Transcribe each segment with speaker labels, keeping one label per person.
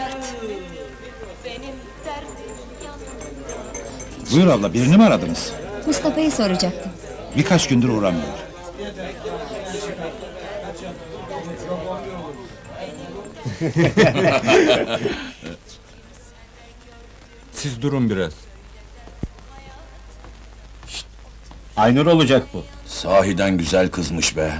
Speaker 1: Buyur abla, birini mi aradınız?
Speaker 2: Mustafa'yı soracaktım.
Speaker 1: Birkaç gündür uğramıyor.
Speaker 3: Siz durun biraz.
Speaker 4: Aynur olacak bu.
Speaker 5: Sahiden güzel kızmış be.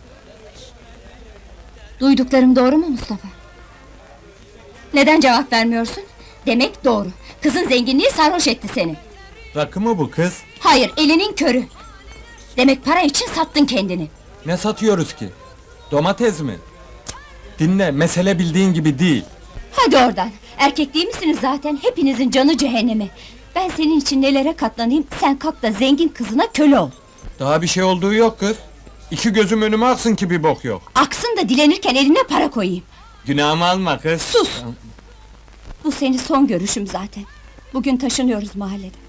Speaker 2: Duyduklarım doğru mu Mustafa? Neden cevap vermiyorsun? Demek doğru. Kızın zenginliği sarhoş etti seni.
Speaker 3: Rakı mı bu kız?
Speaker 2: Hayır, elinin körü. Demek para için sattın kendini.
Speaker 3: Ne satıyoruz ki? Domates mi? Dinle, mesele bildiğin gibi değil.
Speaker 2: Hadi oradan. Erkek değil misiniz zaten? Hepinizin canı cehennemi. Ben senin için nelere katlanayım, sen kalk da zengin kızına köle ol.
Speaker 3: Daha bir şey olduğu yok kız. İki gözüm önüme aksın ki bir bok yok.
Speaker 2: Aksın da dilenirken eline para koyayım.
Speaker 3: Günahımı alma kız.
Speaker 2: Sus! Bu senin son görüşüm zaten. Bugün taşınıyoruz mahallede.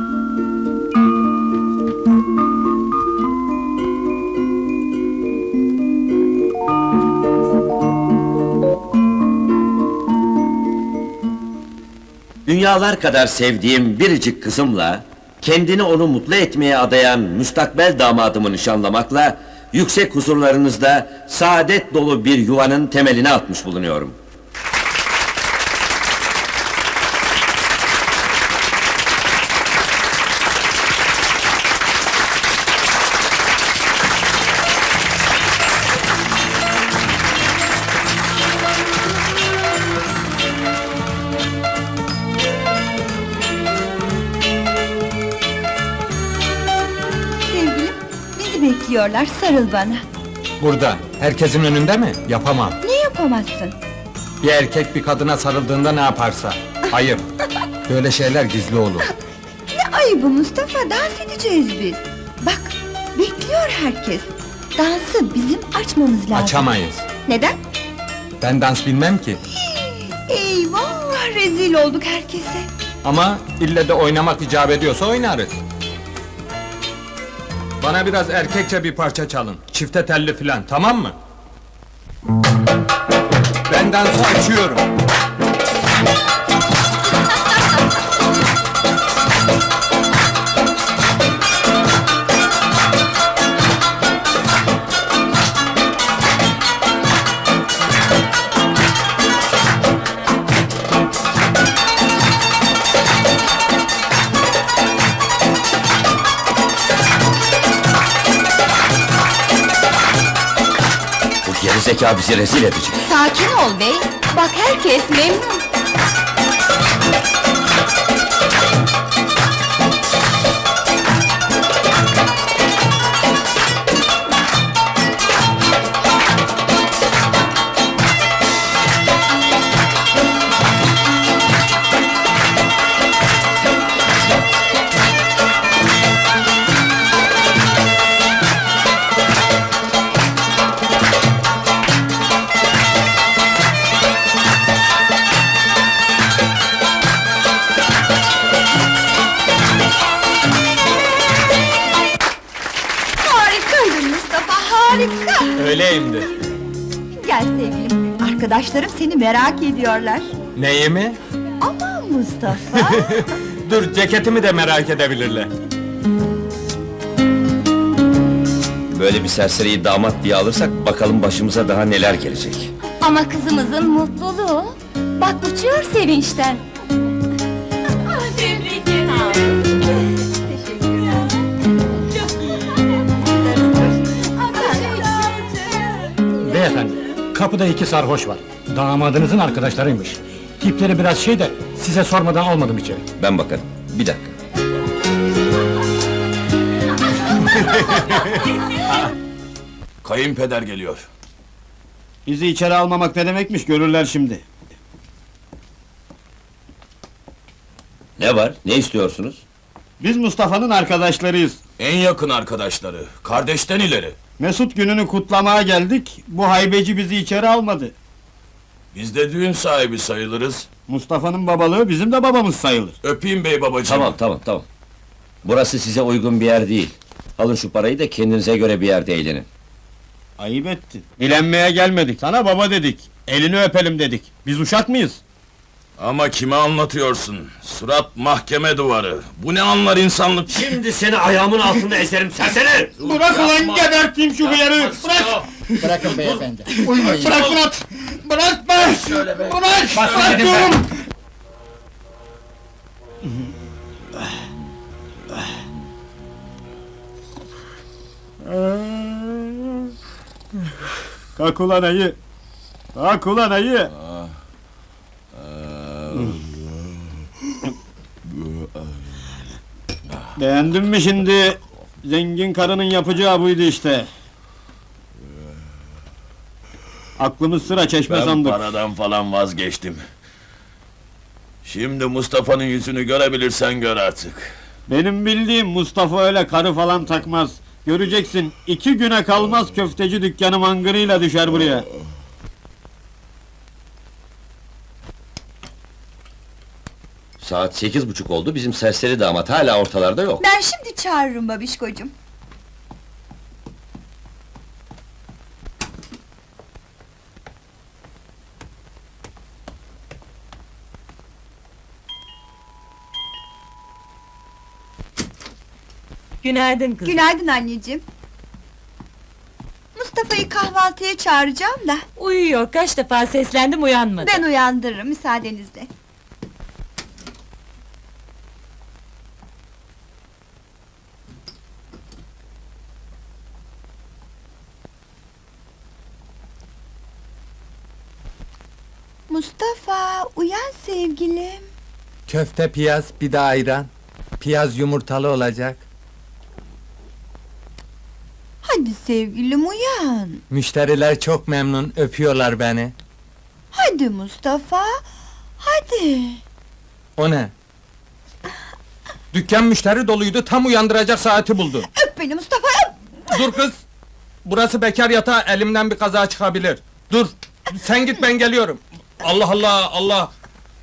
Speaker 6: Dünyalar kadar sevdiğim biricik kızımla, kendini onu mutlu etmeye adayan müstakbel damadımı nişanlamakla, yüksek huzurlarınızda saadet dolu bir yuvanın temelini atmış bulunuyorum.
Speaker 2: Sevgilim, bizi bekliyorlar, sarıl bana.
Speaker 3: Burada, herkesin önünde mi? Yapamam.
Speaker 2: Ne yapamazsın?
Speaker 3: Bir erkek bir kadına sarıldığında ne yaparsa. Hayır, böyle şeyler gizli olur.
Speaker 7: Ne ayıbı Mustafa, dans edeceğiz biz. Bak, bekliyor herkes. Dansı bizim açmamız lazım.
Speaker 3: Açamayız.
Speaker 7: Neden?
Speaker 3: Ben dans bilmem ki.
Speaker 7: Eyvah, rezil olduk herkese.
Speaker 3: Ama ille de oynamak icap ediyorsa oynarız. Bana biraz erkekçe bir parça çalın. Çifte telli filan, tamam mı? Ben dansı açıyorum.
Speaker 6: Bu gerizekalı bizi rezil edecek.
Speaker 2: Sakin ol bey, bak herkes memnun.
Speaker 7: Harikaydın Mustafa, harika.
Speaker 3: Öyleyimdir.
Speaker 7: Gel sevgilim, arkadaşlarım seni merak ediyorlar.
Speaker 3: Neyi mi?
Speaker 7: Aman Mustafa.
Speaker 3: Dur, ceketimi de merak edebilirler.
Speaker 6: Böyle bir serseriyi damat diye alırsak, bakalım başımıza daha neler gelecek.
Speaker 2: Ama kızımızın mutluluğu. Bak uçuyor sevinçten.
Speaker 4: Beyefendi, kapıda iki sarhoş var. Damadınızın arkadaşlarıymış. Tipleri biraz şey de, size sormadan almadım içeri.
Speaker 6: Ben bakarım, bir dakika.
Speaker 5: Kayınpeder geliyor.
Speaker 4: Bizi içeri almamak ne demekmiş, görürler şimdi.
Speaker 6: Ne var, ne istiyorsunuz?
Speaker 4: Biz Mustafa'nın arkadaşlarıyız.
Speaker 5: En yakın arkadaşları, kardeşten ileri.
Speaker 4: Mesut gününü kutlamaya geldik, bu haybeci bizi içeri almadı.
Speaker 5: Biz de düğün sahibi sayılırız.
Speaker 4: Mustafa'nın babalığı bizim de babamız sayılır.
Speaker 5: Öpeyim bey babacığım.
Speaker 6: Tamam. Burası size uygun bir yer değil. Alın şu parayı da kendinize göre bir yerde eğlenin.
Speaker 4: Ayıp ettin. Dilenmeye gelmedik, sana baba dedik. Elini öpelim dedik. Biz uşak mıyız?
Speaker 5: Ama kime anlatıyorsun? Surat mahkeme duvarı. Bu ne anlar insanlık?
Speaker 6: Şimdi seni ayağımın altında ezerim serseri!
Speaker 4: Bırak ulan geberteyim şu hıyarı! Bırak!
Speaker 8: Bırakın beyefendi.
Speaker 4: Bırak Murat! Bırak be! Bırak diyorum!
Speaker 9: Kalk ulan ayı! Kalk ulan ayı! Beğendin mi şimdi? Zengin karının yapacağı buydu işte. Aklımız sıra çeşme
Speaker 5: Ben
Speaker 9: sandık.
Speaker 5: paradan falan vazgeçtim. Şimdi Mustafa'nın yüzünü görebilirsen gör artık.
Speaker 9: Benim bildiğim Mustafa öyle karı falan takmaz. Göreceksin, 2 güne kalmaz köfteci dükkanı mangırıyla düşer buraya.
Speaker 6: Saat 8:30 oldu, bizim serseri damat hala ortalarda yok.
Speaker 7: Ben şimdi çağırırım babişkocuğum.
Speaker 10: Günaydın kızım.
Speaker 7: Günaydın anneciğim. Mustafa'yı kahvaltıya çağıracağım da
Speaker 10: Uyuyor, kaç defa seslendim uyanmadı.
Speaker 7: ben uyandırırım müsaadenizle. Mustafa, uyan sevgilim.
Speaker 3: Köfte piyaz, bir de ayran. Piyaz yumurtalı olacak.
Speaker 7: Hadi sevgilim uyan.
Speaker 3: Müşteriler çok memnun, öpüyorlar beni.
Speaker 7: Hadi Mustafa, hadi.
Speaker 3: O ne? Dükkan müşteri doluydu, tam uyandıracak saati buldu.
Speaker 7: Öp beni Mustafa, öp!
Speaker 3: Dur kız! Burası bekar yatağı, elimden bir kaza çıkabilir. Dur! Sen git, ben geliyorum. Allah Allah, Allah!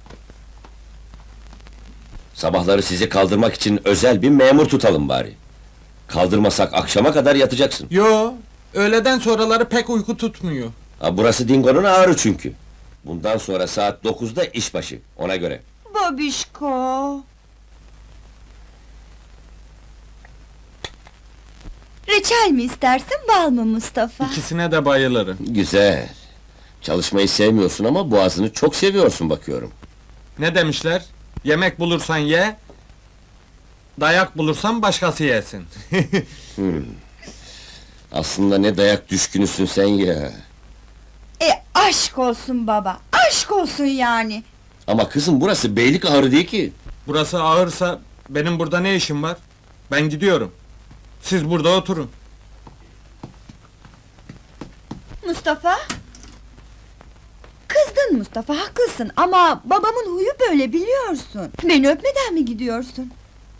Speaker 6: Sabahları sizi kaldırmak için özel bir memur tutalım bari. Kaldırmasak akşama kadar yatacaksın.
Speaker 3: Yo, öğleden sonraları pek uyku tutmuyor.
Speaker 6: Ha, burası Dingo'nun ağrı çünkü. Bundan sonra saat 9'da işbaşı, ona göre.
Speaker 7: Babişko. Reçel mi istersin, bal mı Mustafa?
Speaker 3: İkisine de bayılırım.
Speaker 6: Güzel. Çalışmayı sevmiyorsun ama boğazını çok seviyorsun bakıyorum.
Speaker 3: Ne demişler? Yemek bulursan ye, dayak bulursan başkası yesin.
Speaker 6: Aslında ne dayak düşkünüsün sen ya.
Speaker 7: Aşk olsun baba, aşk olsun yani.
Speaker 6: Ama kızım burası beylik ağrı değil ki.
Speaker 3: Burası ağırsa, benim burada ne işim var? Ben gidiyorum. Siz burada oturun.
Speaker 7: Mustafa? Kızdın Mustafa, haklısın ama babamın huyu böyle biliyorsun. Beni öpmeden mi gidiyorsun?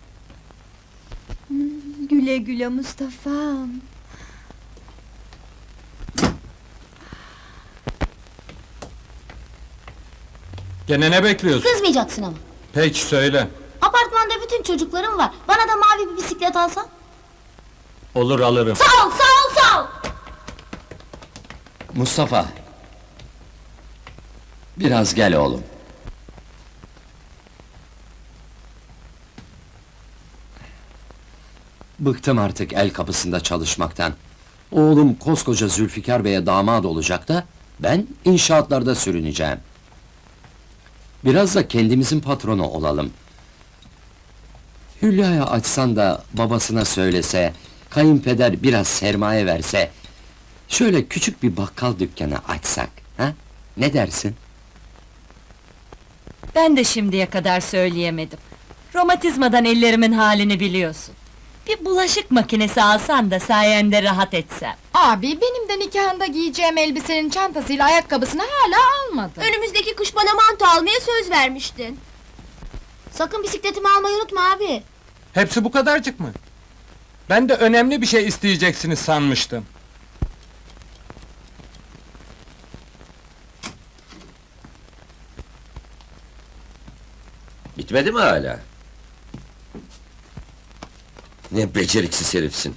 Speaker 7: Güle güle Mustafa'm.
Speaker 3: Gene ne bekliyorsun?
Speaker 2: Kızmayacaksın ama.
Speaker 3: Peki söyle.
Speaker 2: Apartmanda bütün çocuklarım var. Bana da mavi bir bisiklet alsan.
Speaker 3: Olur, alırım.
Speaker 2: Sağ ol, sağ ol, sağ ol!
Speaker 6: Mustafa. Biraz gel oğlum.
Speaker 11: Bıktım artık el kapısında çalışmaktan. Oğlum koskoca Zülfikar Bey'e damat olacak da ben inşaatlarda sürüneceğim. Biraz da kendimizin patronu olalım. Hülya'ya açsan da babasına söylese, kayınpeder biraz sermaye verse, şöyle küçük bir bakkal dükkanı açsak, ha? Ne dersin?
Speaker 10: Ben de şimdiye kadar söyleyemedim. Romatizmadan ellerimin halini biliyorsun. Bir bulaşık makinesi alsan da sayende rahat etsem.
Speaker 12: Abi benim de nikahında giyeceğim elbisenin çantasıyla ayakkabısını hala almadın.
Speaker 2: Önümüzdeki kış bana manto almaya söz vermiştin. Sakın bisikletimi almayı unutma abi.
Speaker 3: Hepsi bu kadarcık mı? Ben de önemli bir şey isteyeceksiniz sanmıştım.
Speaker 6: Bitmedi mi hala? Ne beceriksiz herifsin.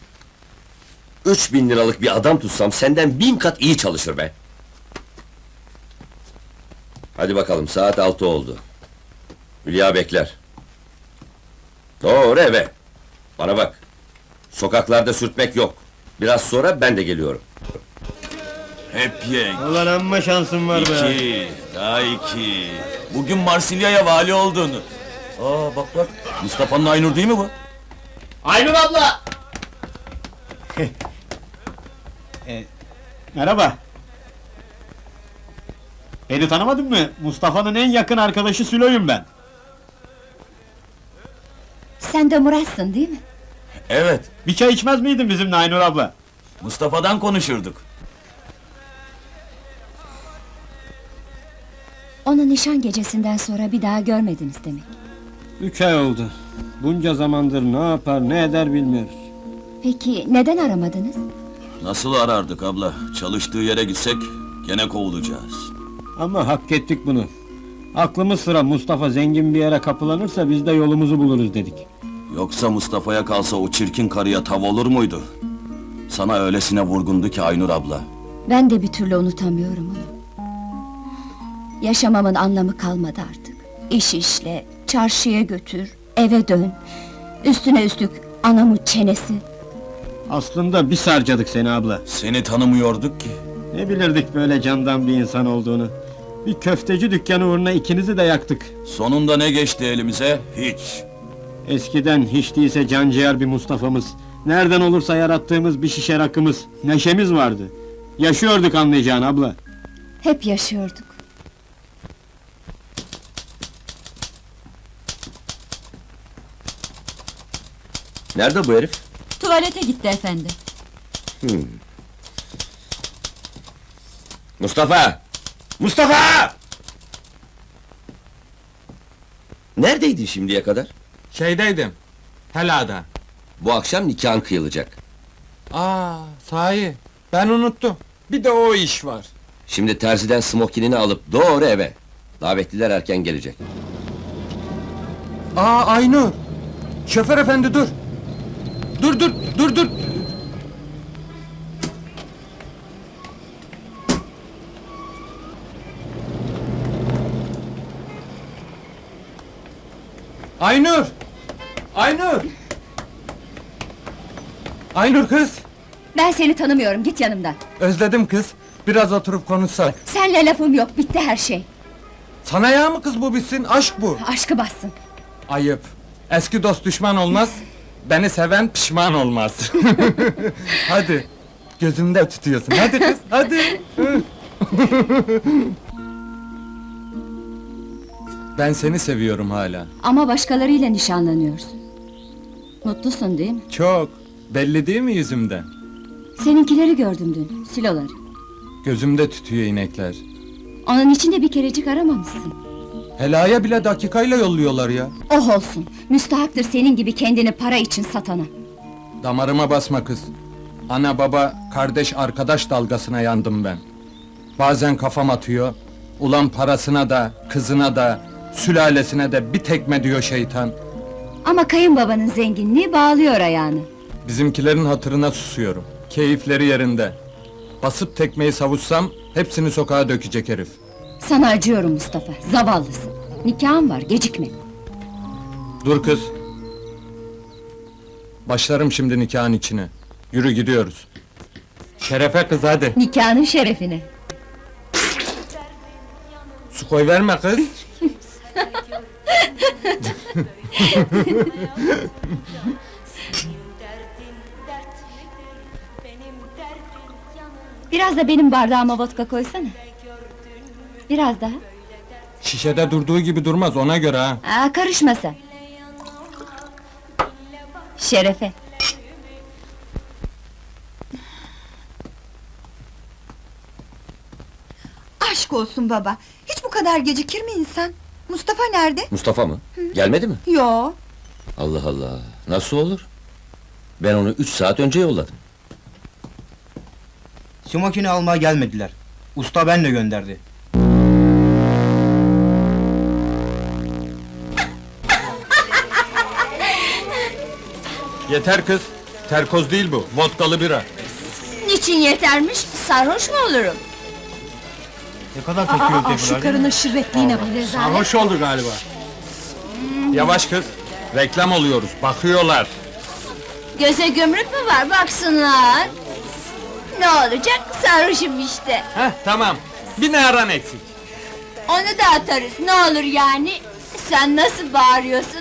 Speaker 6: 3000 liralık bir adam tutsam senden 1000 kat iyi çalışır be. Hadi bakalım, saat 6 oldu. Hülya bekler. Doğru eve. Bana bak. Sokaklarda sürtmek yok. Biraz sonra ben de geliyorum.
Speaker 5: Hep yek.
Speaker 9: Ulan amma şansın var be.
Speaker 5: 2, daha 2. Bugün Marsilya'ya vali oldun. Bak bak, Mustafa'nın Aynur değil mi bu?
Speaker 9: Aynur abla! Merhaba. Beni tanımadın mı? Mustafa'nın en yakın arkadaşı Sülo'yum ben.
Speaker 2: Sen de Murat'sın değil mi?
Speaker 5: Evet,
Speaker 9: Bir çay içmez miydin bizimle Aynur abla?
Speaker 5: Mustafa'dan konuşurduk.
Speaker 2: Onu nişan gecesinden sonra bir daha görmediniz demek.
Speaker 9: 3 ay oldu. Bunca zamandır ne yapar ne eder bilmiyoruz.
Speaker 2: Peki neden aramadınız?
Speaker 5: Nasıl arardık abla? Çalıştığı yere gitsek gene kovulacağız.
Speaker 9: Ama hak ettik bunu. Aklımız sıra Mustafa zengin bir yere kapılanırsa biz de yolumuzu buluruz dedik.
Speaker 5: Yoksa Mustafa'ya kalsa o çirkin karıya tav olur muydu? Sana öylesine vurgundu ki Aynur abla.
Speaker 2: Ben de bir türlü unutamıyorum onu. Yaşamamın anlamı kalmadı artık. İş işle, çarşıya götür, eve dön. Üstüne üstlük anamın çenesi.
Speaker 9: Aslında biz harcadık seni abla.
Speaker 5: Seni tanımıyorduk ki.
Speaker 9: Ne bilirdik böyle candan bir insan olduğunu. Bir köfteci dükkanı uğruna ikinizi de yaktık.
Speaker 5: Sonunda ne geçti elimize? Hiç.
Speaker 9: Eskiden hiç değilse canciğer bir Mustafa'mız, nereden olursa yarattığımız bir şişe rakımız, neşemiz vardı. Yaşıyorduk anlayacağın abla.
Speaker 2: Hep yaşıyorduk.
Speaker 6: Nerede bu herif?
Speaker 10: Tuvalete gitti efendi.
Speaker 6: Mustafa! Mustafa! Neredeydin şimdiye kadar?
Speaker 3: Şeydeydim. Helada.
Speaker 6: Bu akşam nikahın kıyılacak.
Speaker 3: Sahi. Ben unuttum. Bir de o iş var.
Speaker 6: Şimdi terziden smokinini alıp doğru eve. Davetliler erken gelecek.
Speaker 3: Aynur. Şoför efendi dur. Dur. Aynur! Aynur kız!
Speaker 2: Ben seni tanımıyorum, git yanımdan.
Speaker 3: Özledim kız. Biraz oturup konuşsak.
Speaker 2: Senle lafım yok, bitti her şey.
Speaker 3: Sana ya mı kız bu bitsin? Aşk bu.
Speaker 2: Aşkı bassın.
Speaker 3: Ayıp. Eski dost düşman olmaz. Beni seven pişman olmaz. Hadi. Gözümde tutuyorsun. Hadi kız, hadi. Ben seni seviyorum hala.
Speaker 2: Ama başkalarıyla nişanlanıyorsun. Mutlusun değil mi?
Speaker 3: Çok. Belli değil mi yüzümden?
Speaker 2: Seninkileri gördüm dün, siloları.
Speaker 3: Gözümde tütüyor inekler.
Speaker 2: Onun için de bir kerecik aramamışsın.
Speaker 3: Helaya bile dakikayla yolluyorlar ya.
Speaker 2: Oh olsun, müstahaktır senin gibi kendini para için satana.
Speaker 3: Damarıma basma kız. Ana baba, kardeş arkadaş dalgasına yandım ben. Bazen kafam atıyor. Ulan parasına da, kızına da, sülalesine de bir tekme diyor şeytan.
Speaker 2: Ama kayınbabanın zenginliği bağlıyor ayağını.
Speaker 3: Bizimkilerin hatırına susuyorum. Keyifleri yerinde. Basıp tekmeyi savuşsam, hepsini sokağa dökecek herif.
Speaker 2: Sana acıyorum Mustafa, zavallısın. Nikahın var, gecikme.
Speaker 3: Dur kız. Başlarım şimdi nikahın içine. Yürü gidiyoruz. Şerefe kız hadi.
Speaker 2: Nikahının şerefine.
Speaker 3: Su koy verme kız.
Speaker 2: Biraz da benim bardağıma vodka koysana. Biraz daha.
Speaker 3: Şişede durduğu gibi durmaz ona göre ha.
Speaker 2: Karışma sen. Şerefe.
Speaker 7: Aşk olsun baba. Hiç bu kadar gecikir mi insan? Mustafa nerede?
Speaker 6: Mustafa mı? Gelmedi mi?
Speaker 7: Yo.
Speaker 6: Allah Allah, nasıl olur? Ben onu 3 saat önce yolladım.
Speaker 8: Smokini almaya gelmediler. Usta benle gönderdi.
Speaker 3: Yeter kız. Terkoz değil bu. Vodkalı bira.
Speaker 2: Niçin yetermiş? Sarhoş mu olurum?
Speaker 8: Ne kadar çekiyor
Speaker 2: Şu karının şirretliğine bak.
Speaker 3: Sarhoş oldu galiba. Yavaş kız. Reklam oluyoruz. Bakıyorlar.
Speaker 2: Göze gömrük mü var baksınlar. Ne olacak, sarhoşum işte.
Speaker 3: Heh, tamam. Bir naran eksik.
Speaker 2: Onu da atarız, ne olur yani. Sen nasıl bağırıyorsun?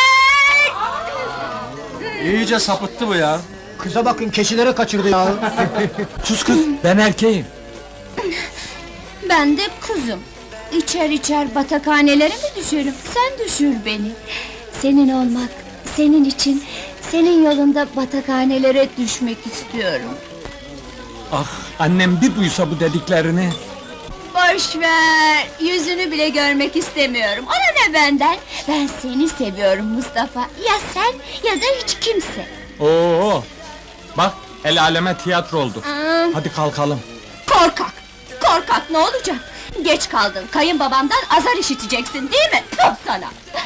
Speaker 8: İyice sapıttı bu ya. Kıza bakın keçilere kaçırdı ya.
Speaker 3: Sus kız. Ben erkeğim.
Speaker 2: Ben de kuzum. İçer içer batakhanelere mi düşerim? Sen düşür beni. Senin olmak, senin için, senin yolunda batakhanelere düşmek istiyorum.
Speaker 3: Ah, annem bir duysa bu dediklerini.
Speaker 2: Boş ver, yüzünü bile görmek istemiyorum. Ona ne benden? Ben seni seviyorum Mustafa. Ya sen ya da hiç kimse.
Speaker 3: Oo. Bak, el aleme tiyatro oldu. Hadi kalkalım.
Speaker 2: Korkak! Korkak ne olacak? Geç kaldın, kayınbabamdan azar işiteceksin değil mi? Puh sana!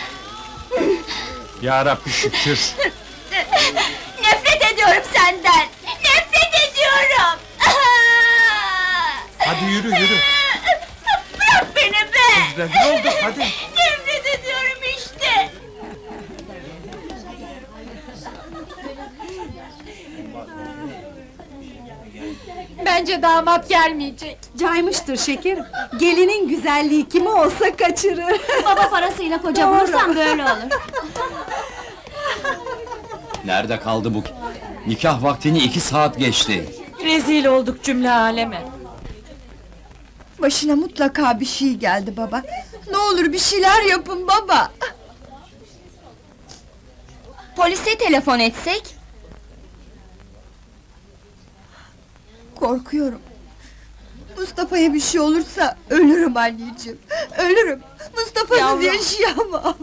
Speaker 3: Ya Rabbi şükür.
Speaker 2: Nefret ediyorum senden! Nefret ediyorum!
Speaker 3: Hadi yürü yürü.
Speaker 2: Bırak beni be!
Speaker 3: Rezil olduk hadi.
Speaker 2: Nefret ediyorum işte!
Speaker 12: Bence damat gelmeyecek.
Speaker 7: Caymıştır şekerim. Gelinin güzelliği kimi olsa kaçırır.
Speaker 2: Baba parasıyla koca bulursan böyle olur.
Speaker 11: Nerede kaldı bu? Nikah vaktini 2 saat geçti.
Speaker 10: Rezil olduk cümle aleme.
Speaker 7: Başına mutlaka bir şey geldi baba. Ne olur bir şeyler yapın baba.
Speaker 2: Polise telefon etsek?
Speaker 7: Korkuyorum. Mustafa'ya bir şey olursa ölürüm anneciğim. Ölürüm. Mustafa'sız
Speaker 10: Yavrum.
Speaker 7: yaşayamam.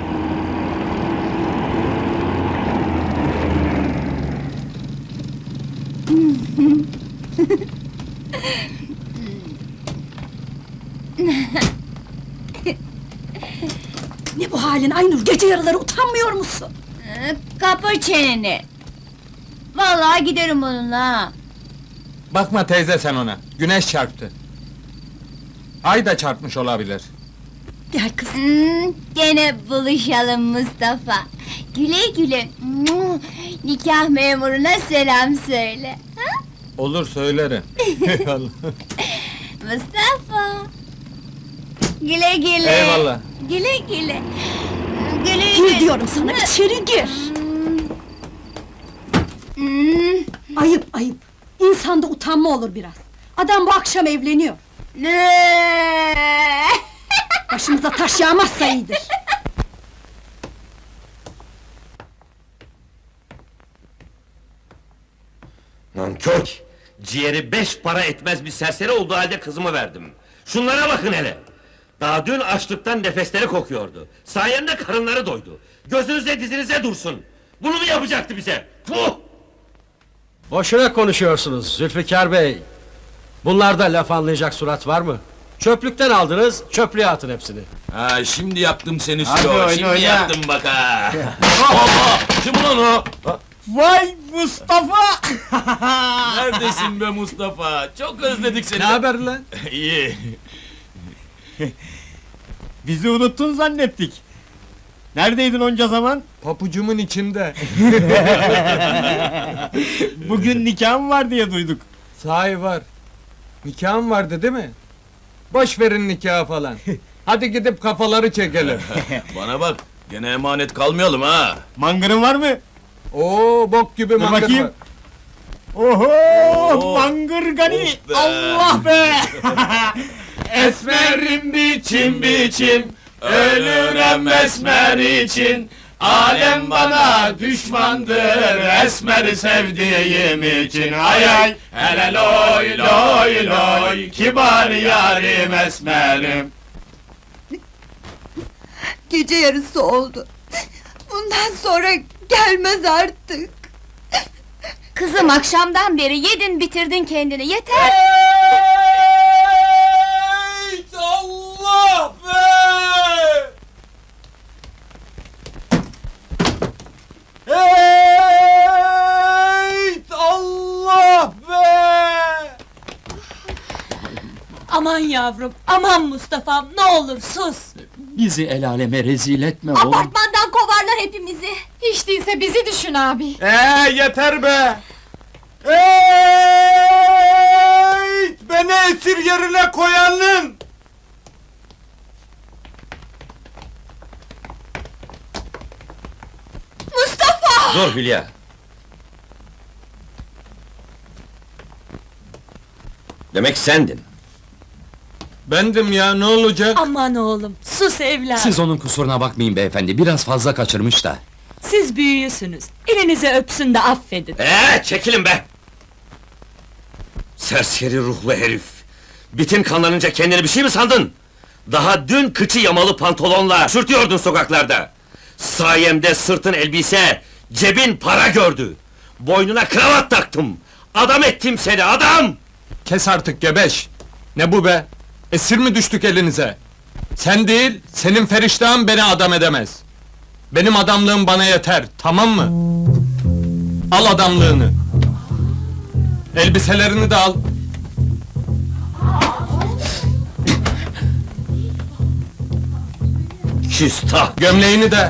Speaker 2: Ne bu halin Aynur? Gece yarıları utanmıyor musun? Kapı çeneni! Vallahi giderim onunla ha!
Speaker 3: Bakma teyze sen ona. Güneş çarptı. Ay da çarpmış olabilir.
Speaker 2: Gel kızım! Gene buluşalım Mustafa! Güle güle! Nikah memuruna selam söyle! Ha?
Speaker 3: Olur söylerim. Eyvallah.
Speaker 2: Mustafa! Güle güle!
Speaker 3: Eyvallah.
Speaker 2: Güle güle! Güle güle! Gir diyorum sana, içeri gir!
Speaker 7: Ayıp ayıp. İnsanda utanma olur biraz. Adam bu akşam evleniyor. Başımıza taş yağmazsa iyidir.
Speaker 6: Nankör! Ciğeri 5 para etmez bir serseri olduğu halde kızımı verdim. Şunlara bakın hele! Daha dün açlıktan nefesleri kokuyordu. Sayende karınları doydu. Gözünüze dizinize dursun. Bunu mu yapacaktı bize? Puh!
Speaker 9: Boşuna konuşuyorsunuz Zülfikar Bey. Bunlarda laf anlayacak surat var mı? Çöplükten aldınız, çöplüğe atın hepsini.
Speaker 5: Ha şimdi yaptım seni
Speaker 8: Hadi
Speaker 5: Sülo.
Speaker 8: oyna,
Speaker 5: Şimdi
Speaker 8: oyna.
Speaker 5: yaptım bak ha. Allah! Kim ulan o?
Speaker 8: Vay Mustafa!
Speaker 5: Neredesin be Mustafa? Çok özledik seni.
Speaker 3: Ne haber lan?
Speaker 5: İyi.
Speaker 8: Bizi unuttun zannettik. Neredeydin onca zaman?
Speaker 3: Papucumun içinde.
Speaker 8: Bugün nikahım var diye duyduk.
Speaker 3: Sahi var. Nikahım vardı değil mi? Boş verin nikahı falan. Hadi gidip kafaları çekelim.
Speaker 5: Bana bak. Gene emanet kalmayalım ha.
Speaker 8: Mangırın var mı?
Speaker 3: Oo bok gibi
Speaker 8: Dur
Speaker 3: mangır
Speaker 8: bakayım.
Speaker 3: var.
Speaker 8: Oho!
Speaker 5: Oo.
Speaker 8: Mangır gani!
Speaker 5: Of be!
Speaker 8: Allah be!
Speaker 5: Esmerim biçim biçim, ölürüm esmer için. Alem bana düşmandır, esmeri sevdiğim için. Ay ay, hele loy loy loy, kibar yarim esmerim.
Speaker 7: Gece yarısı oldu. Bundan sonra gelmez artık.
Speaker 2: Kızım akşamdan beri yedin bitirdin kendini, yeter!
Speaker 5: Ey Allah be!
Speaker 10: Aman yavrum, aman Mustafa'm, ne olur sus!
Speaker 11: Bizi el aleme rezil etme oğlum.
Speaker 2: Apartmandan kovarlar hepimizi.
Speaker 12: Hiç değilse bizi düşün abi.
Speaker 3: Yeter be! Beni esir yerine koyanın!
Speaker 6: Dur Hülya. Demek sendin.
Speaker 3: Bendim ya, ne olacak?
Speaker 10: Aman oğlum, sus evladım!
Speaker 11: Siz onun kusuruna bakmayın beyefendi, biraz fazla kaçırmış da.
Speaker 10: Siz büyüğüsünüz, elinize öpsün de affedin.
Speaker 6: Çekilin be! Serseri ruhlu herif! Bitin kanlanınca kendini bir şey mi sandın? Daha dün kıçı yamalı pantolonla sürtüyordun sokaklarda! Sayemde sırtın elbise, cebin para gördü! Boynuna kravat taktım! Adam ettim seni, adam!
Speaker 3: Kes artık gebeş! Ne bu be? Esir mi düştük elinize? Sen değil, senin feriştahın beni adam edemez. Benim adamlığım bana yeter, tamam mı? Al adamlığını. Elbiselerini de al.
Speaker 6: Küstah!
Speaker 3: Gömleğini de.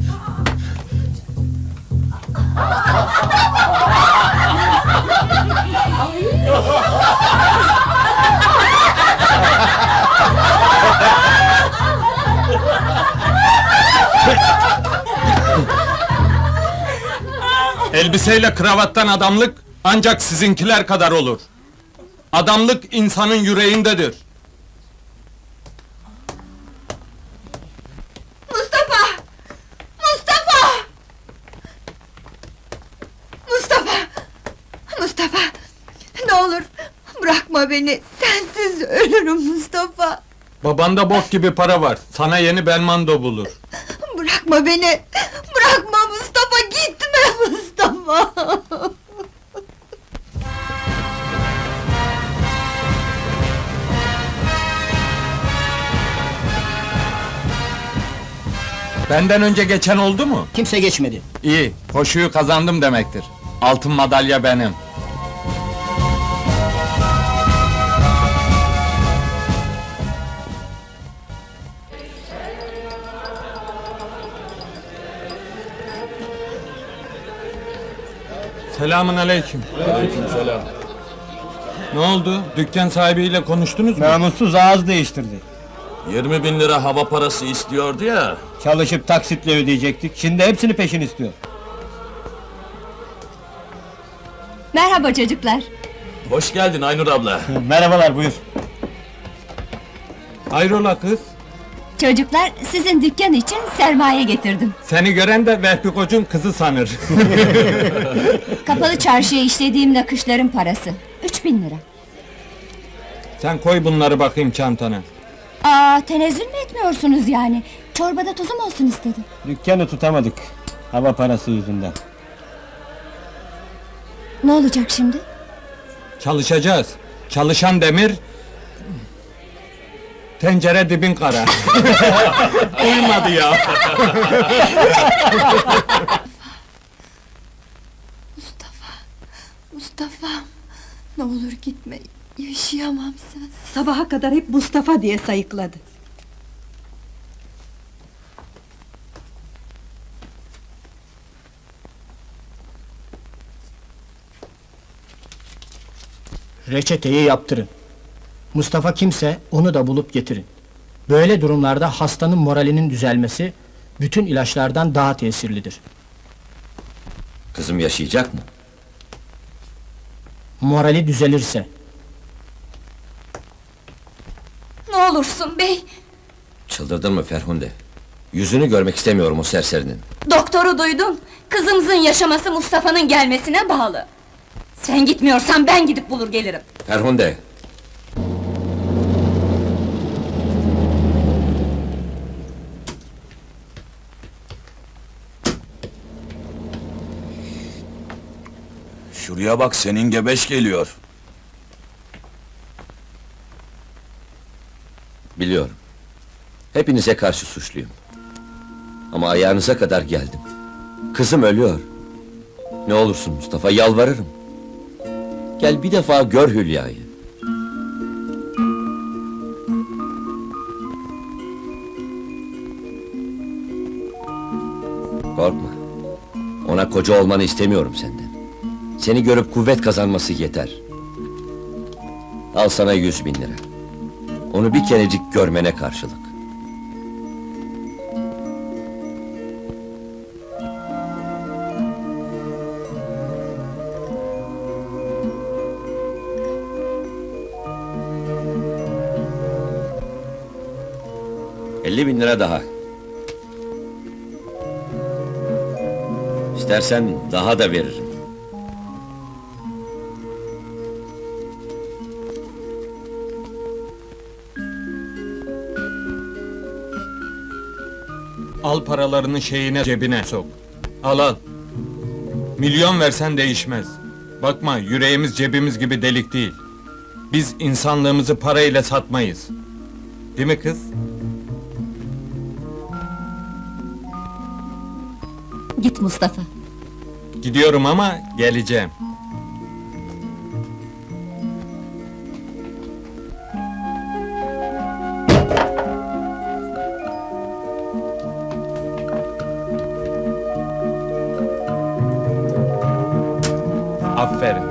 Speaker 3: Elbiseyle kravattan adamlık ancak sizinkiler kadar olur. Adamlık insanın yüreğindedir.
Speaker 7: Mustafa! Mustafa! Mustafa! Mustafa! Ne olur bırakma beni, sensiz ölürüm Mustafa!
Speaker 3: Babanda bok gibi para var, sana yeni Belmondo bulur.
Speaker 7: Bırakma beni! Bırakma Mustafa, gitme Mustafa!
Speaker 3: Benden önce geçen oldu mu?
Speaker 4: Kimse geçmedi.
Speaker 3: İyi, koşuyu kazandım demektir. Altın madalya benim. Selamun aleyküm.
Speaker 9: Aleykümselam.
Speaker 3: Ne oldu? Dükkan sahibiyle konuştunuz mu?
Speaker 9: Namussuz ağız değiştirdi.
Speaker 5: 20.000 lira hava parası istiyordu ya.
Speaker 9: Çalışıp taksitle ödeyecektik, şimdi hepsini peşin istiyor.
Speaker 2: Merhaba çocuklar.
Speaker 5: Hoş geldin Aynur abla.
Speaker 9: Merhabalar, buyur.
Speaker 3: Hayrola kız?
Speaker 2: Çocuklar, sizin dükkan için sermaye getirdim.
Speaker 3: Seni gören de Vehbi Koç'un kızı sanır.
Speaker 2: Kapalı çarşıya işlediğim nakışların parası. 3000 lira.
Speaker 3: Sen koy bunları bakayım çantana.
Speaker 2: Tenezzül mü etmiyorsunuz yani? Çorbada tuzum olsun istedim.
Speaker 9: Dükkanı tutamadık, hava parası yüzünden.
Speaker 2: Ne olacak şimdi?
Speaker 3: Çalışacağız. Çalışan demir... Tencere dibin kara. Uymadı ya.
Speaker 7: Mustafa'm, ne olur gitme, yaşayamam sen.
Speaker 10: Sabaha kadar hep Mustafa diye sayıkladı.
Speaker 4: Reçeteyi yaptırın. Mustafa kimse onu da bulup getirin. Böyle durumlarda hastanın moralinin düzelmesi bütün ilaçlardan daha tesirlidir.
Speaker 6: Kızım yaşayacak mı?
Speaker 4: Morali düzelirse.
Speaker 2: Ne olursun bey!
Speaker 6: Çıldırdın mı Ferhunde? Yüzünü görmek istemiyorum o serserinin.
Speaker 2: Doktoru duydun! Kızımızın yaşaması Mustafa'nın gelmesine bağlı. Sen gitmiyorsan ben gidip bulur gelirim.
Speaker 6: Ferhunde!
Speaker 5: Şuraya bak, senin gebeş geliyor.
Speaker 6: Biliyorum. Hepinize karşı suçluyum. Ama ayağınıza kadar geldim. Kızım ölüyor. Ne olursun Mustafa, yalvarırım. Gel bir defa gör Hülya'yı. Korkma. Ona koca olmanı istemiyorum senden. Seni görüp kuvvet kazanması yeter. Al sana 100.000 lira. Onu bir kerecik görmene karşılık. $50.000 daha. İstersen daha da veririm.
Speaker 3: Al paralarını şeyine, cebine sok. Al al. Milyon versen değişmez. Bakma, yüreğimiz cebimiz gibi delik değil. Biz insanlığımızı parayla satmayız. Değil mi kız?
Speaker 2: Git Mustafa.
Speaker 3: Gidiyorum ama geleceğim. Aferin.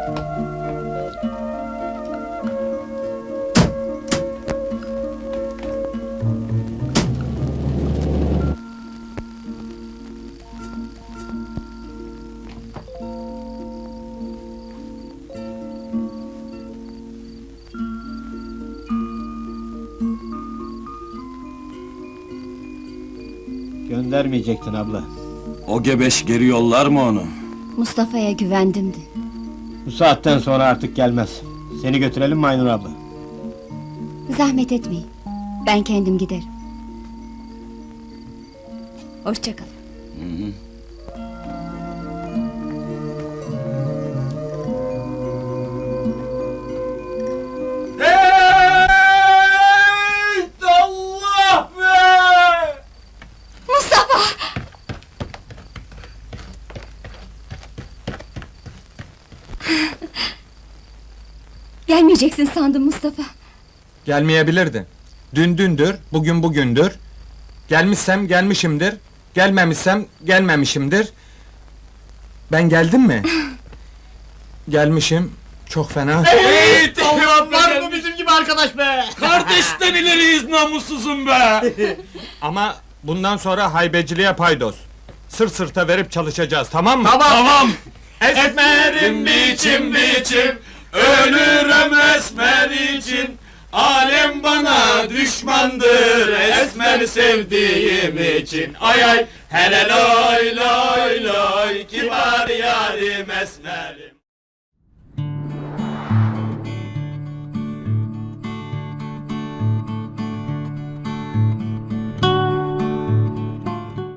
Speaker 9: Göndermeyecektin abla.
Speaker 5: O gebeş geri yollar mı onu?
Speaker 2: Mustafa'ya güvendim de.
Speaker 9: Bu saatten sonra artık gelmez. Seni götürelim mi Aynur abla?
Speaker 2: Zahmet etmeyin. Ben kendim giderim. Hoşça kalın.
Speaker 5: Allah be!
Speaker 2: Mustafa! Gelmeyeceksin sandım Mustafa.
Speaker 3: Gelmeyebilirdi. Dün dündür, bugün bugündür. Gelmişsem gelmişimdir, gelmemişsem gelmemişimdir. Ben geldim mi? Gelmişim, çok fena.
Speaker 5: Hey,
Speaker 9: Allah var mı bizim gibi arkadaş be?
Speaker 5: Kardeşten ileriyiz namussuzum be!
Speaker 3: Ama bundan sonra haybeciliğe paydos. Sırt sırta verip çalışacağız, tamam mı?
Speaker 5: Tamam!
Speaker 3: Esmerim
Speaker 5: biçim biçim, ölürüm esmer için. Alem bana düşmandır esmer sevdiğim için. Ay ay, hele loy loy loy, kibar yarim esmerim.